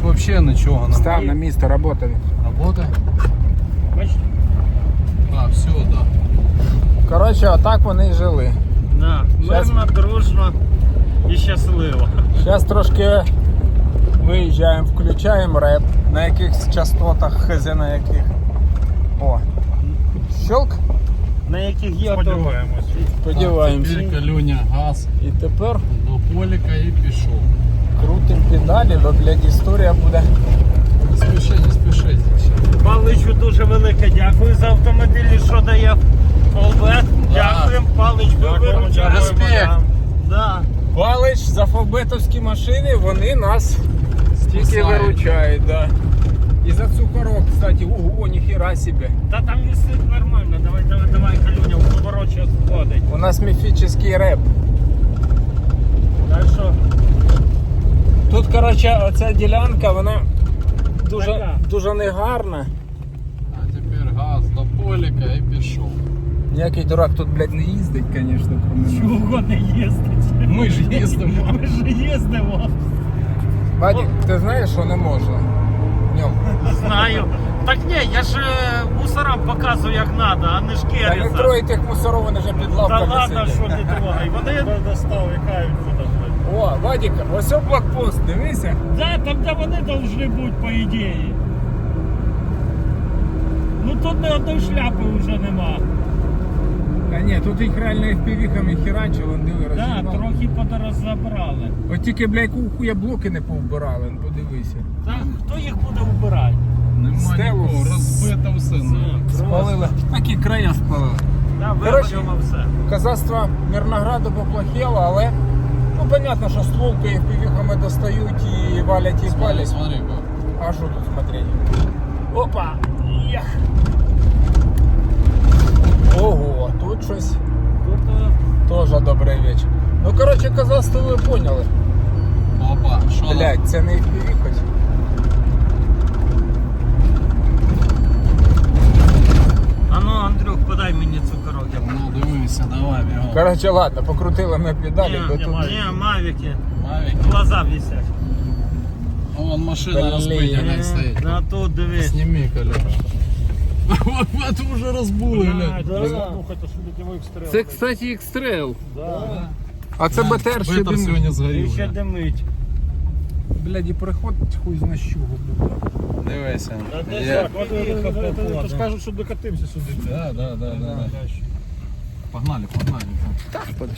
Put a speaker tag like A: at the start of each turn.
A: вообще нічого немає.
B: Став на місце, роботи.
A: Работа?
C: Бачите?
A: А, все, да.
B: Коротше, отак вони і жили.
C: Да. Мирно, дружно і щасливо.
B: Зараз трошки виїжджаємо, включаємо реп. На якихось частотах, хз на яких. О. Щелк.
C: На яких є
D: Сподіваємось.
B: Сподіваємося.
A: Тепер Калюня газ
B: І тепер
A: до поліка і пішов.
B: крутим педалі, бо, блядь, історія буде.
A: Не спішіть, не спішіть.
C: Паличу дуже велике дякую за автомобілі, що дає Фолбет. Дякуємо, Палич, ви виручаєте.
A: Респект.
C: Да.
B: Палич за фавбетовські машини, вони нас тільки
A: Спасають.
B: виручають, да. І за цукорок, кстати, ого, ніхіра собі.
C: Та там висить нормально, давай, Калюня, в поворочі сходить.
B: У нас міфічний реп.
C: Так що,
B: Тут, коротше, оця ділянка, вона
C: Така.
B: дуже негарна.
A: А тепер газ до поліка і пішов.
B: Ніякий дурак тут, блядь, не їздить, звісно, кроме нас.
C: чого не їздить?
A: Ми ж їздимо.
C: Ми ж їздимо.
B: Вадик, ти знаєш, що не можна? В ньому.
C: Знаю. Так ні, я ж мусорам показую як треба, а не
B: Та не
C: шкериться.
B: трой тих мусоров, вони вже під
C: Та
B: лавками
C: ладно,
B: сидять.
C: що не трогай. Вони
D: Достав і кають тут.
B: О, Вадик, ось о блокпост, дивися.
C: Да, там де вони повинні бути, по ідеї. Ну тут ні одної шляпи вже нема.
B: Та ні, тут їх реально FPV-хами херачили, вон диви,
C: Так, да,
B: розібрали.
C: трохи подорозабрали.
B: От тільки, блядь, хуя блоки не повбирали, вон подивися.
C: Та хто їх буде вбирати?
A: Нема
B: Стелу
A: нікого, розбито все.
B: Спалили. Такі края спалили.
C: Да,
B: Коротше,
C: виберемо все.
B: Казацтво Мирнограду поплохело, але ну понятно, що стволки FPV-хами достають і валять і палять.
A: Смотри,
B: А що тут смотреть? Опа! Ях! Ого, тут щось
C: Тут
B: теж добрий вечір. Ну коротше, казацтво ви поняли.
A: опа, що там?
B: Блядь, це не FPV хоч.
C: А ну, Андрюх, подай мені цукорок. Я
A: Ну дивися, давай бігом.
B: Коротше, ладно, покрутили ми педалі, бо тут...
C: Ні, мавіки.
A: Мавік.
C: Глаза висять.
A: Вон машина
B: Блін.
A: розбита, не стоїть.
C: На тут дивись.
A: Сними, Коля. Вот уже розбули, глянь.
D: Слухайте, що літєвий стріл.
B: Це, кстати, X-Trail.
D: Да.
B: А це БТР ще
A: Бетер сьогодні
C: І
A: згорів.
C: ще
A: вже.
C: димить.
B: Блядь, і приходить хуй зна з чого, блядь.
A: Дивися.
C: Та де
A: Є.
C: ж поїхав,
D: То ж кажуть, що докатимося сюди.
A: Да. Погнали.
B: Так,